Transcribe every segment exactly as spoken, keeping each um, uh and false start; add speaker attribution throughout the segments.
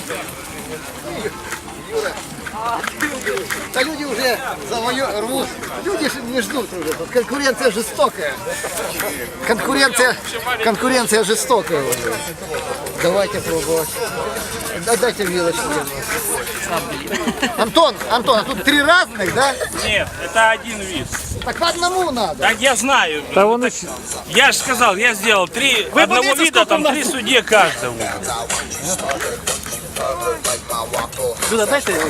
Speaker 1: Юра. Да люди уже за мое рвут. Люди же не ждут уже. Конкуренция жестокая. Конкуренция, конкуренция жестокая уже. Давайте пробовать. Дайте вилочку. Антон, Антон, а тут три разных, да?
Speaker 2: Нет, это один вид.
Speaker 1: Так по одному надо.
Speaker 2: Так я знаю.
Speaker 3: Да он...
Speaker 2: Я же сказал, я сделал три Вы одного вида, там три судьи каждого.
Speaker 3: Сюда дайте его.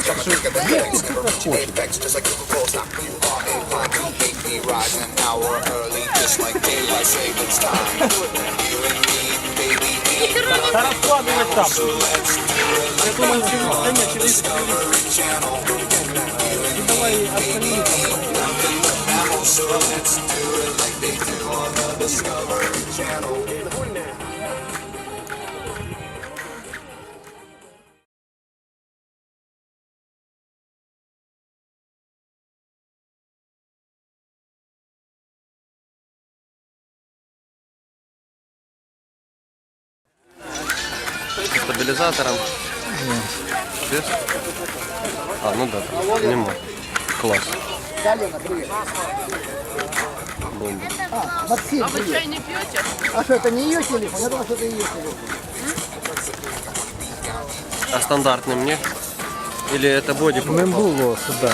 Speaker 2: Да раскладывать там.
Speaker 3: Я думаю, что да нет, через... Давай остальные там.
Speaker 4: Стабилизатором? Без? А, ну да, нема. Класс.
Speaker 1: Галина, привет.
Speaker 4: Бомба.
Speaker 1: А, Максим,
Speaker 5: А вы
Speaker 1: привет.
Speaker 5: чай не пьете?
Speaker 1: А что, это не ее телефон? Я думал, что это ее телефон.
Speaker 4: А стандартный мне? Или это боди?
Speaker 3: Не було сюди.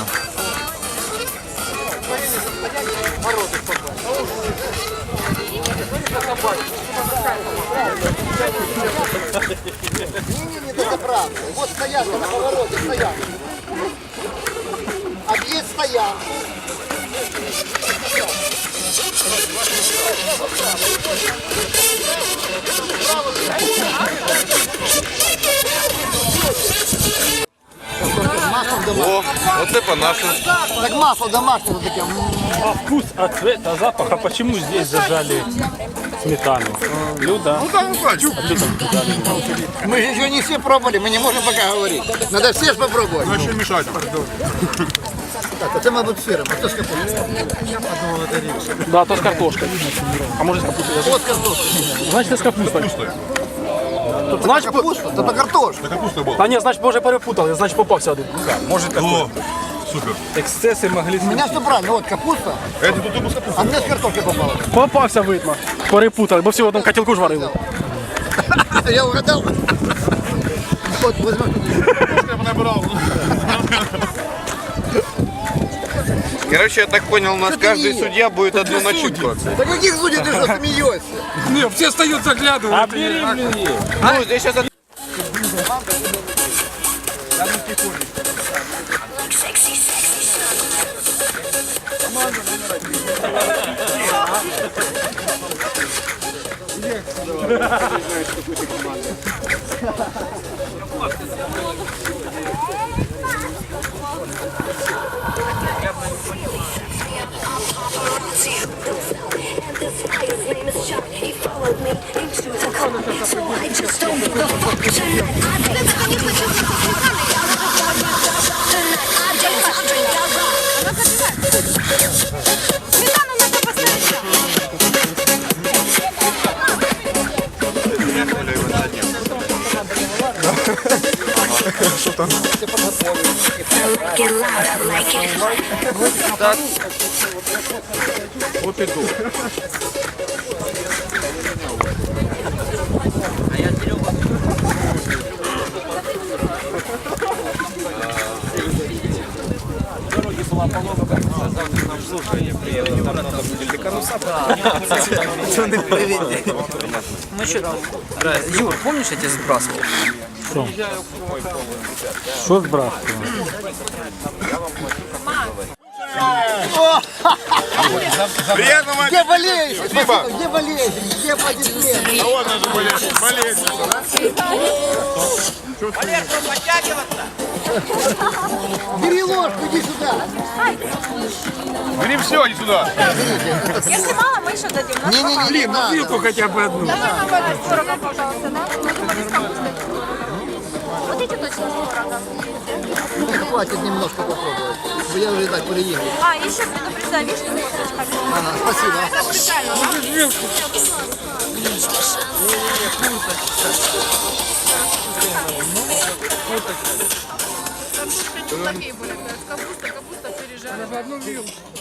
Speaker 1: Не-не-не, это правда. Вот стоянка на повороте, стоянка. Объезд стоянку.
Speaker 6: О, оце по-нашему.
Speaker 1: Так масло домашнее вот такое.
Speaker 2: А вкус, а цвет, а запах, а почему здесь зажали сметану? Люда.
Speaker 6: Ну да, ну хочу.
Speaker 1: Мы же еще не все пробовали, мы не можем пока говорить. Надо все же попробовать.
Speaker 6: Ну еще мешать.
Speaker 1: Так, это мабуть сыром, а то с капустой.
Speaker 3: Да, то з картошкою. А може з капустою?
Speaker 1: Вот картошка.
Speaker 3: Значить, з капустою.
Speaker 1: Значит, капуста, это картошка.
Speaker 6: Капуста була.
Speaker 3: А ні, значить, може перепутали, значить попався один.
Speaker 2: Может
Speaker 6: О, супер.
Speaker 2: эксцессы могли...
Speaker 1: У меня все правильно, вот капуста,
Speaker 6: Это тут ему с капустой.
Speaker 1: а мне с картошкой попало.
Speaker 3: Попався, видно. Перепутали, бо всі в одному котілку ж варили.
Speaker 1: Я угадал. Вот, возьмем.
Speaker 6: Я бы набрал. Короче, я так понял, у нас
Speaker 1: Что ты
Speaker 6: каждый
Speaker 1: не-
Speaker 6: судья будет одну
Speaker 1: Ты
Speaker 6: начинку.
Speaker 1: Да каких судей ты что смеешься?
Speaker 3: Ні, всі стають заглядувати.
Speaker 2: А бери, блин,
Speaker 6: Ну, здесь сейчас... Вот иду.
Speaker 7: Мы что, Юр, помнишь, я тебя сбрасывал?
Speaker 3: Що збрав?
Speaker 6: Приятного
Speaker 1: Где болеешь?
Speaker 6: Спасибо.
Speaker 1: Где болеешь? Где аплодисменты?
Speaker 6: А вот надо болеть. Болеть.
Speaker 1: Бери ложку, иди сюда.
Speaker 6: Бери все, иди сюда.
Speaker 5: Если мало, мы еще дадим. У нас
Speaker 1: Не-не-не, не надо.
Speaker 3: Вилку хоча б одну.
Speaker 5: Давай попробуем с творогом, пожалуйста, да? Ну, думали, с капустой. Вот эти точно с творогом.
Speaker 1: Ну, хватит немножко попробовать. Я уже так переехал.
Speaker 5: А, еще предупреждаю, вишни с косточками.
Speaker 1: Ага, спасибо.
Speaker 5: Это специально, да?
Speaker 8: такие были. Капуста, капуста пережарена.